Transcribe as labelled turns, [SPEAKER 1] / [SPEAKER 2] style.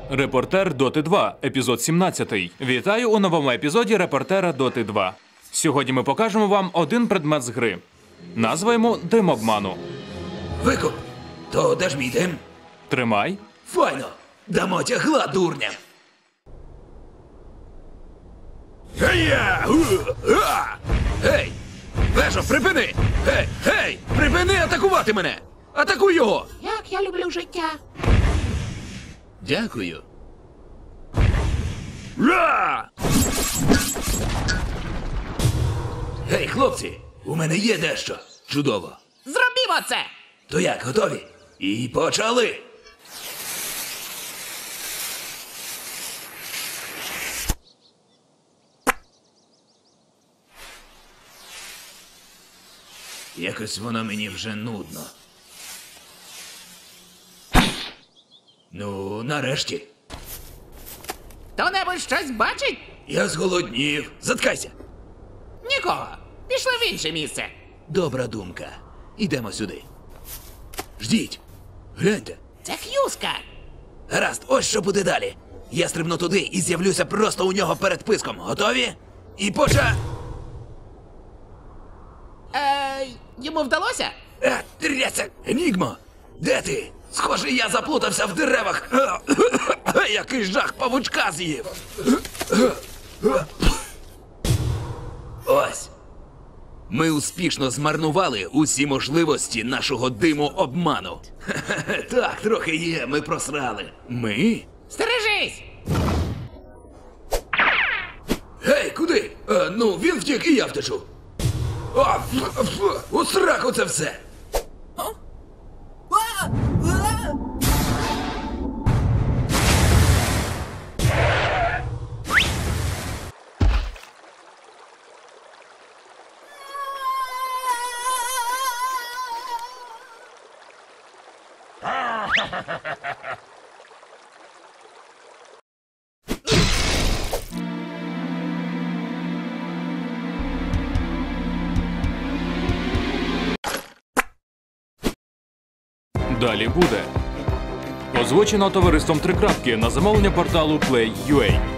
[SPEAKER 1] Репортер Доти 2, епізод 17. Вітаю у новому епізоді Репортера Доти 2. Сьогодні ми покажемо вам один предмет з гри. Назва йому «Дим обману».
[SPEAKER 2] Викуп! То де ж мій дим?
[SPEAKER 1] Тримай.
[SPEAKER 2] Файно! Дамо тягла, дурням! Гей! Вежо, припини! Гей! Припини атакувати мене! Атакуй його!
[SPEAKER 3] Як я люблю життя.
[SPEAKER 2] Дякую. Ра! Гей, хлопці! У мене є дещо. Чудово.
[SPEAKER 3] Зробімо це!
[SPEAKER 2] То як, готові? І почали! Якось воно мені вже нудно. Ну, нарешті.
[SPEAKER 3] Хто-небудь щось бачить?
[SPEAKER 2] Я зголоднів. Заткайся.
[SPEAKER 3] Нікого. Пішли в інше місце.
[SPEAKER 2] Добра думка. Ідемо сюди. Ждіть. Гляньте.
[SPEAKER 3] Це Х'юзка.
[SPEAKER 2] Гаразд, ось що буде далі. Я стрибну туди і з'явлюся просто у нього перед писком. Готові? І
[SPEAKER 3] Йому вдалося?
[SPEAKER 2] Трясся! Енігмо! Де ти? Схоже, я заплутався в деревах. Який жах павучка з'їв. Ось. Ми успішно змарнували усі можливості нашого диму обману. Так, трохи є, ми просрали. Ми?
[SPEAKER 3] Стережись!
[SPEAKER 2] Гей, куди? Ну, він втік і я втечу. У сраку це все.
[SPEAKER 1] Далі буде. Озвучено товариством Трикрапки на замовлення порталу Play.ua.